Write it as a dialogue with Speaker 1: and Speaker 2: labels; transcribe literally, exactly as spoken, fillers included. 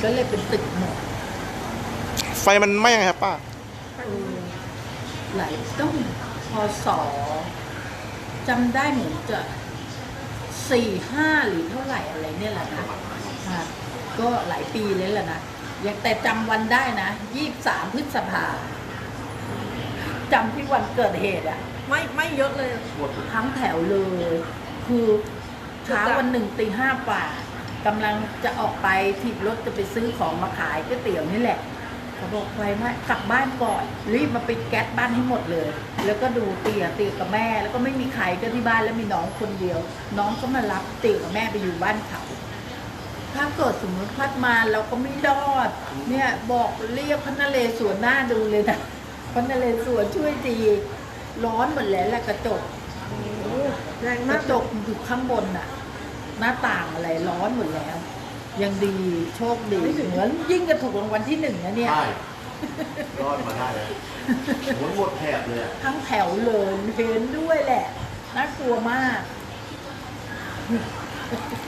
Speaker 1: ก็เลยเป็นตึกหมด
Speaker 2: ไฟมันไหม้ยังไงครับป้า
Speaker 1: หลายต้องพศจำได้เหมือนจะสี่ห้าหรือเท่าไหร่อะไรเนี่ยแหละนะก็หลายปีเลยแหละนะยังแต่จำวันได้นะยี่สิบสามพฤษภาจำที่วันเกิดเหตุอะ
Speaker 3: ไม่ไม่เยอะเลย
Speaker 1: ทั้งแถวเลยคือเช้าวันหนึ่งตีห้าป่ากำลังจะออกไปถีบรถจะไปซื้อของมาขายก๋วยเตี๋ยวนี่แหละเขาบอกไปไม่กลับบ้านก่อนรีบมาปิดแก๊สบ้านให้หมดเลยแล้วก็ดูเตี๋ยเตี๋ยกับแม่แล้วก็ไม่มีใครก็ที่บ้านแล้วมีน้องคนเดียวน้องก็มารับเตี๋ยกับแม่ไปอยู่บ้านเขาถ้าเกิดสมมติพัดมาเราก็ไม่รอดเนี่ยบอกเรียกพระนเรศวรหน้าดูเลยนะพระนเรศวรช่วยดีร้อนหมดแล้วแหละกระจก
Speaker 3: แรง
Speaker 1: ก
Speaker 3: มาก
Speaker 1: ระจกอยู่ข้างบนน่ะหน้าต่างอะไรร้อนหมดแล้วยังดีโชคดีเหมือนยิ่งจะถูกรางวัลที่หนึ่งนะเนี่ย
Speaker 4: ใช่รอดมาได้เลยหมดหมดแถบเลย
Speaker 1: ทั้งแถวเลยเห็นด้วยแหละน่ากลัวมาก